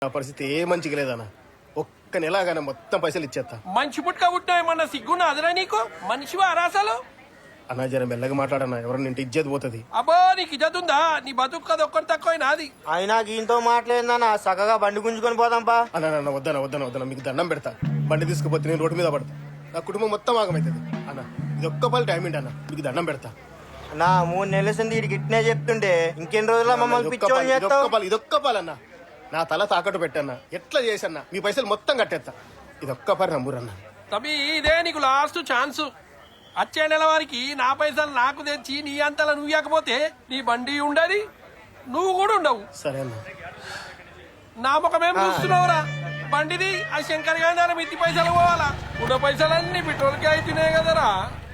నా పరిస్థితి ఏ మంచిగా లేదన్న. ఒక్క నెలగానే మొత్తం పైసలు ఇచ్చేస్తా. మంచి పుట్టుక పుట్టినా ఏమన్నా సిగ్గున్నా అదరా నీకు? మనిషివా అరాసలు? అన్నా జర మెల్లగా మాట్లాడన్నా, ఎవరన్నా ఇంటి ఇజ్జత్ పోతుంది. అబ్బో నీకు ఇజ్జత్ ఉందా? నీ బతుకు కదా ఒక్కటి తక్కువ నాది. అయినా గీంతో మాట్లాడిందన్న చక్కగా బండి గుంజుకొని పోదాంపా. అన్న వద్దన మీకు దండం పెడతా. బండి తీసుకుపోతే నేను రోడ్డు మీద పడతా. నా కుటుంబం మొత్తం ఆగమవుతుంది అన్న. ఇది ఒక్క పని టైం ఏంటి అన్న, మీకు దండం పెడతా. నా 3 నెలల సంది వీడికి ఇట్నే చెప్తుంటే ఇంకెన్ని రోజుల మమ్మల్ని పిచ్చోని చేస్తావు? ఇదొక్క పాలన్నా, నా తల తాకట్టు పెట్టన్నా. ఎట్లా చేసన్నా మీ పైసలు మొత్తం కట్టేస్తా. ఇదొక్క పని నమ్మురన్నా. తమ్మి ఇదే నీకు లాస్ట్ ఛాన్స్. వచ్చే నెల వారికి నా పైసలు నాకు తెచ్చి నీ అంతలా నువ్వు ఇవ్వకపోతే నీ బండి ఉండదు, నువ్వు కూడా ఉండవు. సరే అన్న. నా ముఖమేం చూస్తున్నావురా? బండిది ఆ శంకర్ గారి మిత్తి పైసలు పోవాలా? ఉన్న పైసలన్నీ పెట్రోల్కి అయితేనే కదరా.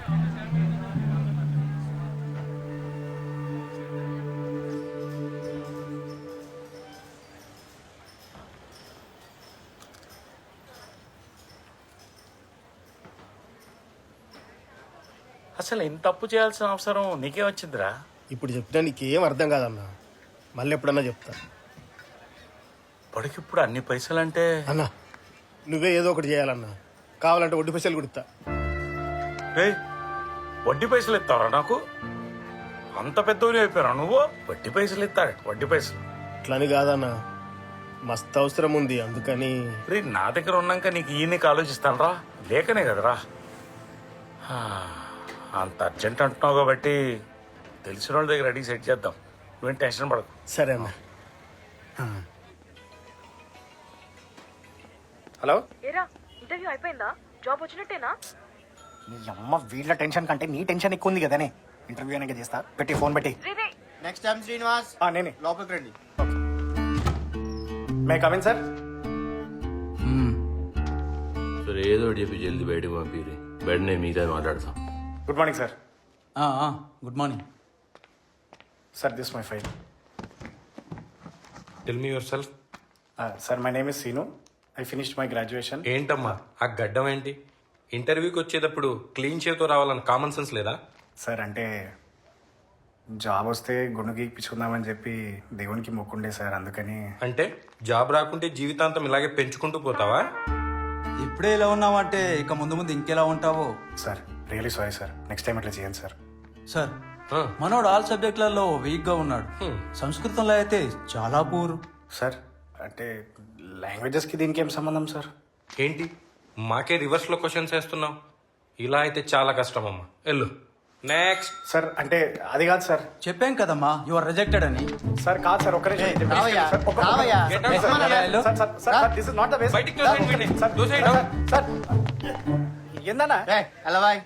అసలు ఇంత తప్పు చేయాల్సిన అవసరం నీకే వచ్చిందిరా? ఇప్పుడు చెప్పినా నీకేం అర్థం కాదన్నా. మళ్ళీ ఎప్పుడన్నా చెప్తా. ఇప్పటికిప్పుడు అన్ని పైసలంటే అన్నా నువ్వే ఏదో ఒకటి చేయాలన్నా. కావాలంటే వడ్డీ పైసలు కుడతా. రే వడ్డీ పైసలు ఇస్తావరా నాకు? అంత పెద్దవి అయిపోయారా నువ్వు? వడ్డీ పైసలు ఇస్తాడు? వడ్డీ పైసలు అట్లని కాదన్నా, మస్తు అవసరం ఉంది అందుకని. రే నా దగ్గర ఉన్నాక నీకు ఈయనకి ఆలోచిస్తాను రా, లేకనే కదరా. అంత అర్జెంట్ అంటున్నావు కాబట్టి తెలిసిన వాళ్ళ దగ్గర అడిగి సెట్ చేద్దాం. నువ్వేం టెన్షన్ పడకు. సరే అన్న. హలో ఏరా ఇంటర్వ్యూ అయిపోయిందా? జాబ్ వచ్చినట్టేనా? నీ అమ్మ వీళ్ళ టెన్షన్ కంటే నీ టెన్షన్ ఎక్కువ ఉంది కదనే. ఇంటర్వ్యూ అనేది చేస్తా. పెట్టి ఫోన్ పెట్టి. నెక్స్ట్ టైం శ్రీనివాస్ నేనే లోపలికి రండి. May come in sir. సరే ఏదో ఒకటి చెప్పి జల్దీ బయటకు పంపిరి. బయట నేను మీతో మాట్లాడతాం. Good morning sir. Good morning sir, this my file. Tell me yourself. Sir my name is Seenu. I finished my graduation. ఏంటమ్మా ఆ గడ్డం ఏంటి? ఇంటర్వ్యూకి వచ్చేటప్పుడు క్లీన్ షేవ్తో రావాలని కామన్ సెన్స్ లేదా? సార్ అంటే జాబ్ వస్తే గుండు గీక్పించుకుందామని చెప్పి దేవునికి మొక్కుండే సార్, అందుకని. అంటే జాబ్ రాకుంటే జీవితాంతం ఇలాగే పెంచుకుంటూ పోతావా? ఇప్పుడే ఇలా ఉన్నావంటే ఇక ముందు ముందు ఇంకెలా ఉంటావో. Sir really sorry sir, next time ఇట్లా చేయండి సార్. సార్ మనోడు ఆల్ సబ్జెక్టులలో వీక్ గా ఉన్నాడు. సంస్కృతంలో అయితే చాలా పూర్. సార్ అంటే లాంగ్వేజెస్కి దీనికి ఏం సంబంధం సార్? ఏంటి మాకే రివర్స్లో క్వశ్చన్స్ వేస్తున్నావు? ఇలా అయితే చాలా కష్టం అమ్మా. వెళ్ళు నెక్స్ట్. సార్ అంటే అది కాదు సార్. చెప్పాం కదమ్మా యు ఆర్ రిజెక్టెడ్ అని. సార్ కాదు సార్, ఒక్కరే బయటికి తోసేయండి వీడిని. తోసేయండి. ఏందన్నా ఎలా బాయ్?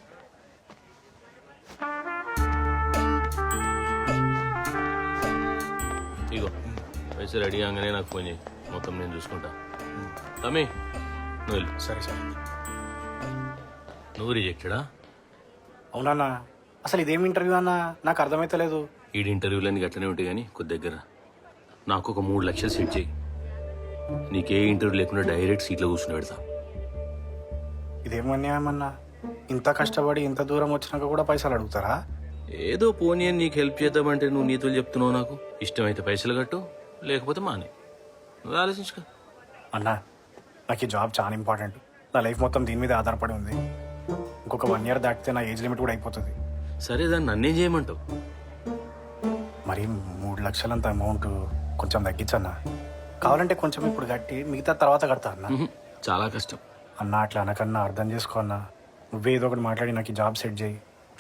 ఇగో పైసలు రెడీ కాగానే నాకు ఫోన్ చేయి, మొత్తం నేను చూసుకుంటా. తమ్మి నువ్వు వెళ్ళు. సరే సార్. నువ్వు రిజెక్టెడా? అవునన్నా, అసలు ఇదేం ఇంటర్వ్యూ అన్నా, నాకు అర్థమైతలేదు. ఈ ఇంటర్వ్యూలన్నీ గట్లనే ఉంటాయి కానీ కొద్ది దగ్గర నాకు ఒక 3 లక్షలు సెట్ చేయి. నీకే ఇంటర్వ్యూ లేకుండా డైరెక్ట్ సీట్లో కూర్చుని పెడతా. ఇదేం అన్యాయమన్నా, ఇంత కష్టపడి ఇంత దూరం వచ్చినాక కూడా పైసలు అడుగుతారా? ఏదో పోనీ అని నీకు హెల్ప్ చేద్దామంటే నువ్వు నీతులు చెప్తున్నావు. నాకు ఇష్టమైతే పైసలు కట్టు, లేకపోతే మానే. నువ్వు ఆలోచించుకో. అన్నా నాకు ఈ జాబ్ చాలా ఇంపార్టెంట్. నా లైఫ్ మొత్తం దీని మీద ఆధారపడి ఉంది. ఇంకొక 1 ఇయర్ దాటితే నా ఏజ్ లిమిట్ కూడా అయిపోతుంది. సరే దాన్ని నన్నేం చేయమంటావు? మరి 3 లక్షలంత అమౌంట్ కొంచెం తగ్గించన్నా. కావాలంటే కొంచెం ఇప్పుడు కట్టి మిగతా తర్వాత కడతా అన్నా. చాలా కష్టం అన్నా, అట్లా అనకన్నా అర్థం చేసుకో అన్నా. నువ్వే ఏదో ఒకటి మాట్లాడి నాకు ఈ జాబ్ సెట్ చేయి.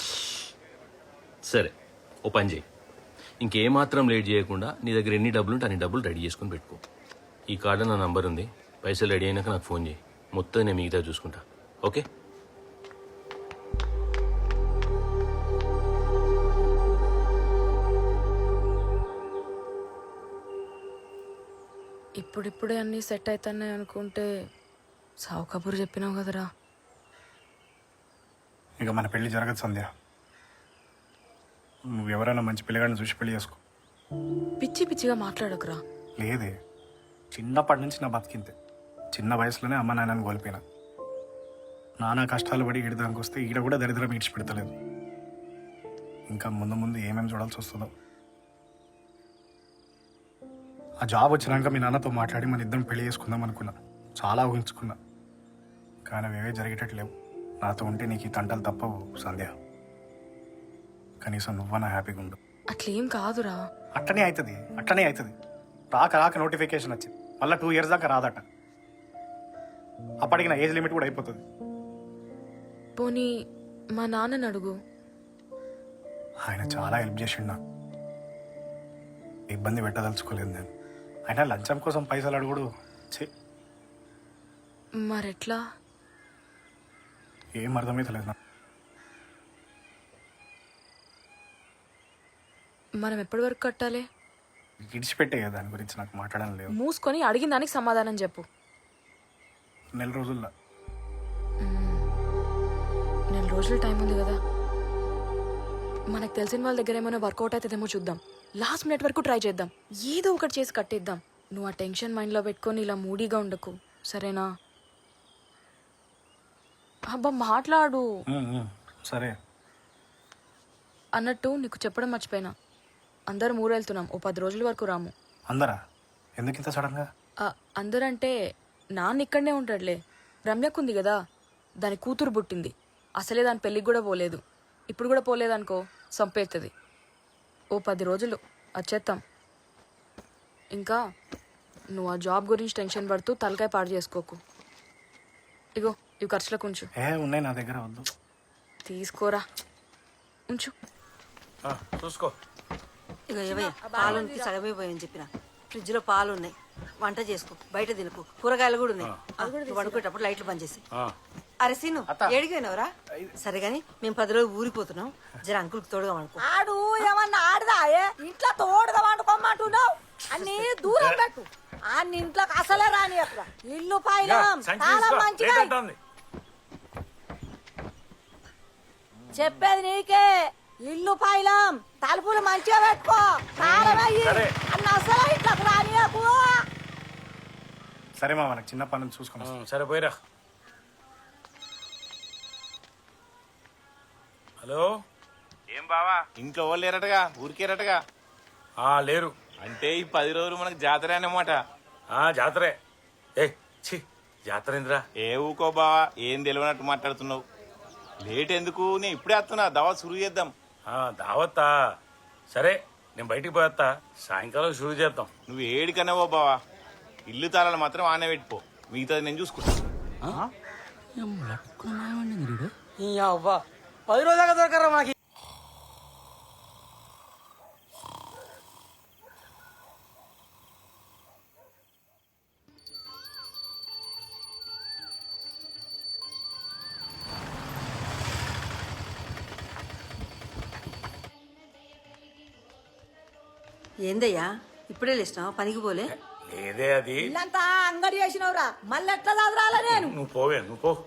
సరే ఓ పని చేయి, ఇంకేమాత్రం లేట్ చేయకుండా నీ దగ్గర ఎన్ని డబ్బులు ఉంటే అన్ని డబ్బులు రెడీ చేసుకుని పెట్టుకో. ఈ కార్డు నా నంబర్ ఉంది. పైసలు రెడీ అయినాక నాకు ఫోన్ చేయి, మొత్తం నేను మిగతా చూసుకుంటా. ఓకే? ఇప్పుడిప్పుడే అన్నీ సెట్ అవుతున్నాయి అనుకుంటే సావు కబురు చెప్పినావు కదరా. ఇక మన పెళ్లి జరగదు సంధ్య. నువ్వు ఎవరైనా మంచి పిల్లగాడిని చూసి పెళ్లి చేసుకో. పిచ్చి పిచ్చిగా మాట్లాడకురా. లేదే, చిన్నప్పటి నుంచి నా బతికింతే. చిన్న వయసులోనే అమ్మ నాన్నని కోల్పోయినా. నానా కష్టాలు పడి ఈడదానికి వస్తే ఈడ కూడా దరిద్రం ఈడ్చిపెడతలేదు. ఇంకా ముందు ముందు ఏమేమి చూడాల్సి వస్తుందో. ఆ జాబ్ వచ్చినాక మీ నాన్నతో మాట్లాడి మన ఇద్దరం పెళ్లి చేసుకుందాం అనుకున్నా, చాలా ఊహించుకున్నా. కానీ అవేవే జరిగేటట్లేవు. నాతో ఉంటే నీకు ఈ తంటలు తప్పవు సంధ్య. కనీసం నువ్వన్నా హ్యాపీగా ఉండు. అట్లేం కాదురా. అట్లనే అవుతుంది. రాక నోటిఫికేషన్ వచ్చింది, మళ్ళీ 2 years దాకా రాదట. అప్పటికి నా ఏజ్ లిమిట్ కూడా అయిపోతుంది. పోనీ మా నాన్నని అడుగు. ఆయన చాలా హెల్ప్ చేసిండు నాకు. ఇబ్బంది పెట్టదలుచుకోలేదు నేను. ఆయన లంచం కోసం పైసలు అడుగుడు ఛీ, మరెట్లా? ఏం అర్థమైతలేదు నాకు. మనం ఎప్పటి వరకు కట్టాలి? విడిచిపెట్టే కదా, దాని గురించి నాకు మాట్లాడడం లేదు. మూసుకొని అడిగిన దానికి సమాధానం చెప్పు. 4 రోజుల్లో. 4 రోజులు టైం ఉంది కదా. మనకు తెలిసిన వాళ్ళ దగ్గర ఏమైనా వర్కౌట్ అవుతుందేమో చూద్దాం. లాస్ట్ మినిట్ వరకు ట్రై చేద్దాం. ఏదో ఒకటి చేసి కట్టేద్దాం. నువ్వు ఆ టెన్షన్ మైండ్లో పెట్టుకొని ఇలా మూడీగా ఉండకు, సరేనా? అబ్బా మాట్లాడు. సరే. అన్నట్టు నీకు చెప్పడం మర్చిపోయినా, అందరం ఊరెళ్తున్నాం. ఓ 10 రోజుల వరకు రాము. అందరా? ఎందుకు ఇంత సడన్గా? అందరంటే నాన్న ఇక్కడనే ఉంటాడులే. రమ్యకుంది కదా, దాని కూతురు పుట్టింది. అసలే దాని పెళ్ళికి కూడా పోలేదు. ఇప్పుడు కూడా పోలేదనుకో చంపేస్తుంది. ఓ 10 రోజులు వచ్చేస్తాం. ఇంకా నువ్వు ఆ జాబ్ గురించి టెన్షన్ పడుతూ తలకాయ పాడు చేసుకోకు. ఇగో ఇవి ఖర్చులకు ఉంచు. ఉన్నాయి నా దగ్గర, వద్దు. తీసుకోరా, ఉంచు. చూసుకో. ఇక ఏవయ్య పాలుకి సగమే పోయని చెప్పిన. ఫ్రిడ్జ్ లో పాలు ఉన్నాయి, వంట చేసుకో, బయట తినకు. కూరగాయలు కూడా ఉన్నాయి. నువ్వు పడుకునేటప్పుడు లైట్లు బంద్ చేసి. అరే సీను ఏడిపోయినవరా? సరే గాని మేము 10 రోజులు ఊరిపోతున్నాం. జర అంకుల్కి తోడుగా వండుకో. ఆడు ఏమన్నా ఆడదా? ఇంట్లో తోడుగా వండుకోమంటున్నావు. అన్ని దూరం పెట్టు. అన్ని ఇంట్లోకి అసలే రాని అక్కడ. ఇల్లు పైలం చాలా మంచిగా. చెప్పేది నీకే. ఇల్లు పైలం తలుపులు మంచిగా పెట్టుకో. కారమయ్యి అన్న అసలు ఇంట్లోకి రానియకు. సరే మా, మనకు చిన్న పనులు చూసుకున్నాం. సరే పోయిరా. హలో, ఏం బావా ఇంట్లో వాళ్ళు లేరటగా, ఊరికేరటగా? లేరు. అంటే ఈ 10 రోజులు మనకు జాతర అన్నమాట. జాతరే. జాతర ఏందిరా? ఏ ఊకో బావా, ఏం తెలియనట్టు మాట్లాడుతున్నావు. లేట్ ఎందుకు? నేను ఇప్పుడే వస్తున్నా, దావా సురు చేద్దాం. దావత్తా? సరే, నేను బయటికి పోయేస్తా. సాయంకాలం షురూ చేద్దాం. నువ్వు ఏడికన్నావో బావా, ఇల్లు తాళాలు మాత్రం ఆనే పెట్టుకో, మిగతాది నేను చూసుకుంటా. 10 రోజులు దాకా దొరకరా మాకి. ఏందయ్యా ఇప్పుడే లేచినావా? పనికి పోలే? లేదే, అది ఇల్లంతా అంగడి చేసినవురా. మళ్ళీ ఎట్లా చదరాలా నేను? నువ్వు పోవే, నువ్వు పో.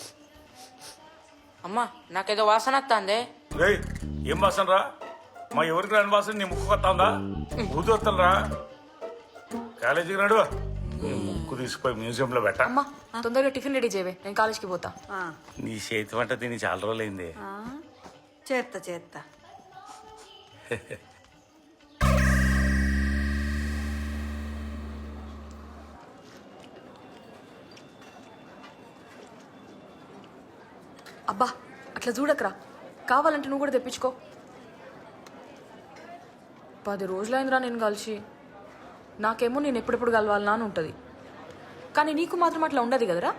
అమ్మా నాకేదో వాసన వస్తుంది. ఏం వాసన రా? మా ఎవరికి రాని వాసన నీ ముక్కు వస్తుందా? ఊది వస్తుందిరా. కాలేజీకి నడు. ముక్కు తీసుకుపోయి మ్యూజియంలో పెట్ట. అమ్మా తొందరగా టిఫిన్ రెడీ చేయవే, నేను కాలేజ్కి పోతా. నీ చేతి వంట తిని చాలా రోజులైంది. చేత్తా. అబ్బా అట్లా చూడకరా, కావాలంటే నువ్వు కూడా తెప్పించుకో. 10 రోజులైందిరా నేను కలిసి. నాకేమో నేను ఎప్పుడెప్పుడు కలవాలనా అని ఉంటుంది, కానీ నీకు మాత్రం అట్లా ఉండదు కదరా.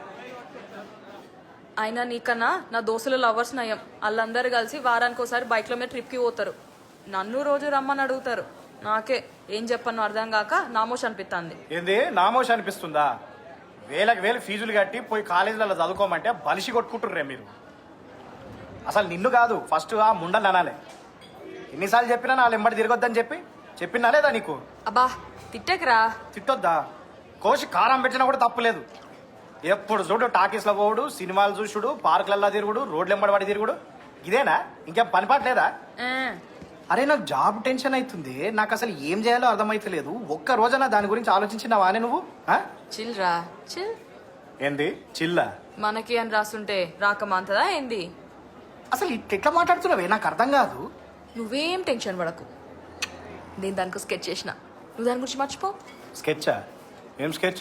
అయినా నీకన్నా నా దోస్తుల లవర్స్ నయం. వాళ్ళందరూ కలిసి వారానికి ఒకసారి బైక్ల మీద ట్రిప్కి పోతారు. నన్ను రోజు రమ్మని అడుగుతారు. నాకే ఏం చెప్పను అర్థం కాక నామోష్ అనిపిస్తుంది. ఏంది నామోష్ అనిపిస్తుందా? వేలకు వేలు ఫీజులు కట్టి పోయి కాలేజీలలో చదువుకోమంటే బలిసి కొట్టుకుంటుర్రే మీరు. అసలు నిన్ను కాదు, ఫస్ట్ ఆ ముండని అనాలి. ఎన్నిసార్లు చెప్పినా నా ఎంబడి తిరగొద్దని చెప్పినా లేదా నీకు? అబ్బా తిట్టకరా. తిట్టొద్దా? కోసి కారం పెట్టినా కూడా తప్పులేదు. ఎప్పుడు చూడు టాకీస్లో పోవుడు, సినిమాలు చూసుడు, పార్కులలో తిరుగుడు, రోడ్లు ఎంబడి తిరుగుడు. ఇదేనా? ఇంకేం పనిపాట్లేదా? అరే నాకు జాబ్ టెన్షన్ అవుతుంది. నాకు అసలు ఏం చేయాలో అర్థమైతలేదు. ఒక్క రోజైనా దాని గురించి ఆలోచించినావానే నువ్వు? చిల్ రా, చిల్. ఏంది చిల్లా? మనకి అని రాస్తుంటే రాకమాంతదా ఏంది? అసలు ఎట్లా మాట్లాడుతున్నావే నాకు అర్థం కాదు. నువ్వేం టెన్షన్ పడకు. నేను దానికి స్కెచ్ చేసిన, నువ్వు దాని గురించి మర్చిపో. స్కెచ్చా? ఏం స్కెచ్?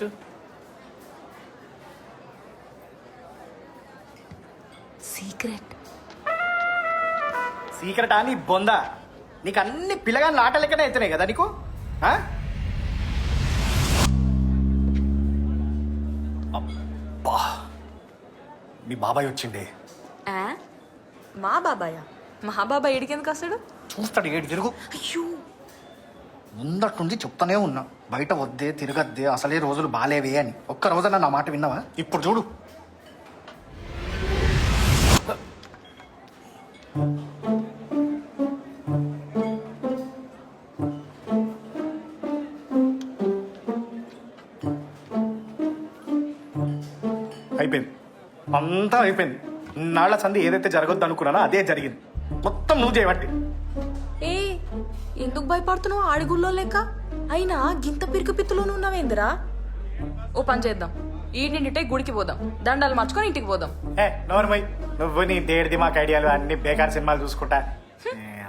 సీక్రెట్. సీక్రెట్ అని బొందా, నీకు అన్ని పిల్లగాని ఆట లెక్కనే అవుతున్నాయి కదా నీకు. ఆ? అబ్బా, మీ బాబాయ్ వచ్చిండే. ఆ? మా బాబాయ్? మా బాబాయ్ ఏడికెందుకు వస్తాడు? చూస్తాడు ఏడు తిరుగు. అయ్యో, ముందటి నుంచి చెప్తానే ఉన్నా, బయట వద్దే తిరగద్దే, అసలే రోజులు బాలేవే అని. ఒక్క రోజన్నా నా మాట విన్నావా? ఇప్పుడు చూడు. అయిపోయింది, అంతా అయిపోయింది. నాళ్ల సంధి ఏదైతే జరగొద్దు అనుకున్నానో అదే జరిగింది. మొత్తం నువ్వు చేయబట్టి. ఏ ఎందుకు భయపడుతున్నావు? ఆడిగుల్లో లెక్క అయినా గింత పిరికి పిత్తులోనూ ఉన్నావేందిరా? ఓ పని చేద్దాం, ఈ నిండిటే గుడికి పోదాం, దండాలు మార్చుకొని ఇంటికి పోదాం. నోర్మై, నువ్వు నీ దేడిది మాకు ఐడియాలు అన్ని బేకార్ సినిమాలు చూసుకుంటా.